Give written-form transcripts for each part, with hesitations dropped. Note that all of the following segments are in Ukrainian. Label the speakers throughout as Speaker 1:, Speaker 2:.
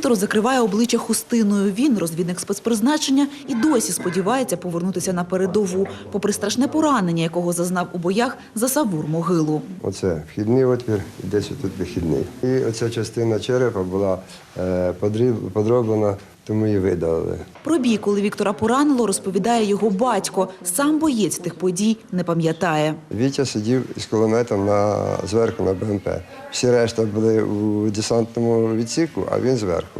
Speaker 1: Віктор закриває обличчя хустиною. Він, розвідник спецпризначення, і досі сподівається повернутися на передову, попри страшне поранення, якого зазнав у боях за Савур-Могилу.
Speaker 2: Оце вхідний отвір, і десь тут вихідний. І оця частина черепа була подроблена, тому її видалили.
Speaker 1: Про бій, коли Віктора поранило, розповідає його батько. Сам боєць тих подій не пам'ятає.
Speaker 2: Вітя сидів із кулеметом зверху на БМП. Всі решта були у десантному відсіку, а він зверху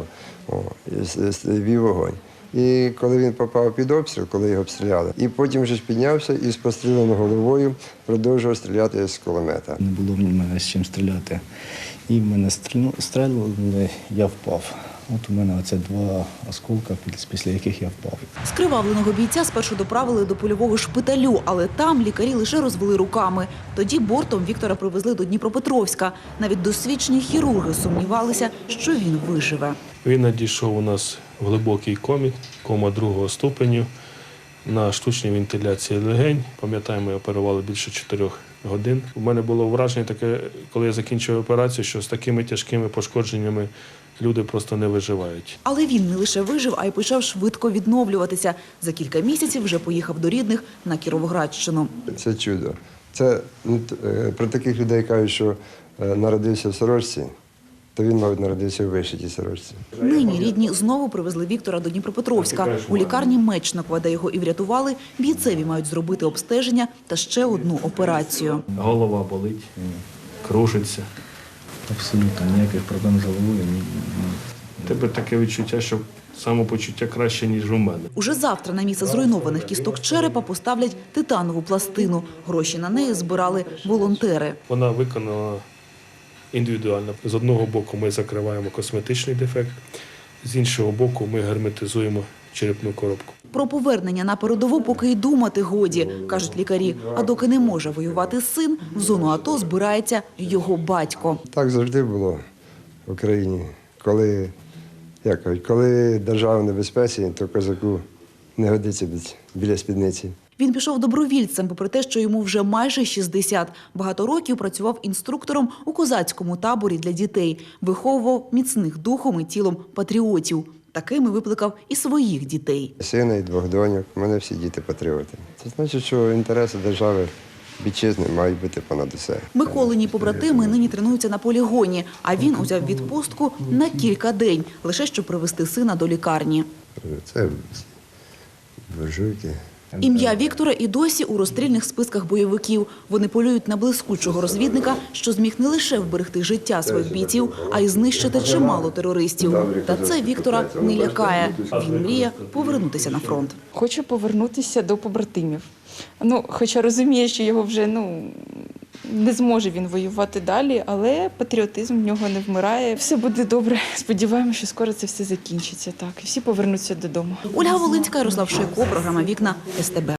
Speaker 2: вів вогонь. І коли він попав під обстріл, коли його обстріляли, і потім вже піднявся і з простріленою головою продовжував стріляти з кулемета.
Speaker 3: Не було в мене з чим стріляти. І в мене стріляли, я впав. От у мене оце 2 осколка, після яких я впав.
Speaker 1: Скривавленого бійця спершу доправили до польового шпиталю, але там лікарі лише розвели руками. Тоді бортом Віктора привезли до Дніпропетровська. Навіть досвідчені хірурги сумнівалися, що він виживе.
Speaker 4: Він надійшов у нас в глибокій комі, кома 2-го ступеню, на штучній вентиляції легень. Пам'ятаємо, оперували більше 4 годин. У мене було враження таке, коли я закінчив операцію, що з такими тяжкими пошкодженнями люди просто не виживають.
Speaker 1: Але він не лише вижив, а й почав швидко відновлюватися. За кілька місяців вже поїхав до рідних на Кіровоградщину.
Speaker 2: Це чудо. Це про таких людей кажуть, що народився в сорочці, то він, мабуть, народився у вишитій сорочці.
Speaker 1: Нині рідні знову привезли Віктора до Дніпропетровська. У лікарні Мечникова, де його і врятували, бійцеві мають зробити обстеження та ще одну операцію.
Speaker 4: Голова болить, кружиться.
Speaker 3: Абсолютно ніяких проблем з головою.
Speaker 4: У тебе таке відчуття, що самопочуття краще, ніж у мене.
Speaker 1: Уже завтра на місце зруйнованих кісток черепа поставлять титанову пластину. Гроші на неї збирали волонтери.
Speaker 4: Вона виконана індивідуально. З одного боку ми закриваємо косметичний дефект, з іншого боку ми герметизуємо черепну коробку.
Speaker 1: Про повернення на передову поки й думати годі, кажуть лікарі. А доки не може воювати син, в зону АТО збирається його батько.
Speaker 2: Так завжди було в Україні. Коли держава в небезпеці, то козаку не годиться біля спідниці.
Speaker 1: Він пішов добровільцем, попри те, що йому вже майже 60. Багато років працював інструктором у козацькому таборі для дітей. Виховував міцних духом і тілом патріотів. Такими викликав і своїх дітей.
Speaker 2: Сина і 2 доньок, у мене всі діти патріоти. Це значить, що інтереси держави вітчизни мають бути понад усе.
Speaker 1: Миколині побратими нині тренуються на полігоні, а він узяв відпустку на кілька день, лише щоб привезти сина до лікарні.
Speaker 2: Це буржуйки.
Speaker 1: Ім'я Віктора і досі у розстрільних списках бойовиків. Вони полюють на блискучого розвідника, що зміг не лише вберегти життя своїх бійців, а й знищити чимало терористів. Та це Віктора не лякає. Він мріє повернутися на фронт.
Speaker 5: Хочу повернутися до побратимів. Хоча розуміє, що його вже не зможе він воювати далі, але патріотизм в нього не вмирає. Все буде добре. Сподіваємося, що скоро це все закінчиться. Так, і всі повернуться додому.
Speaker 1: Ольга Волинська, Ярослав Шейко, програма «Вікна», СТБ.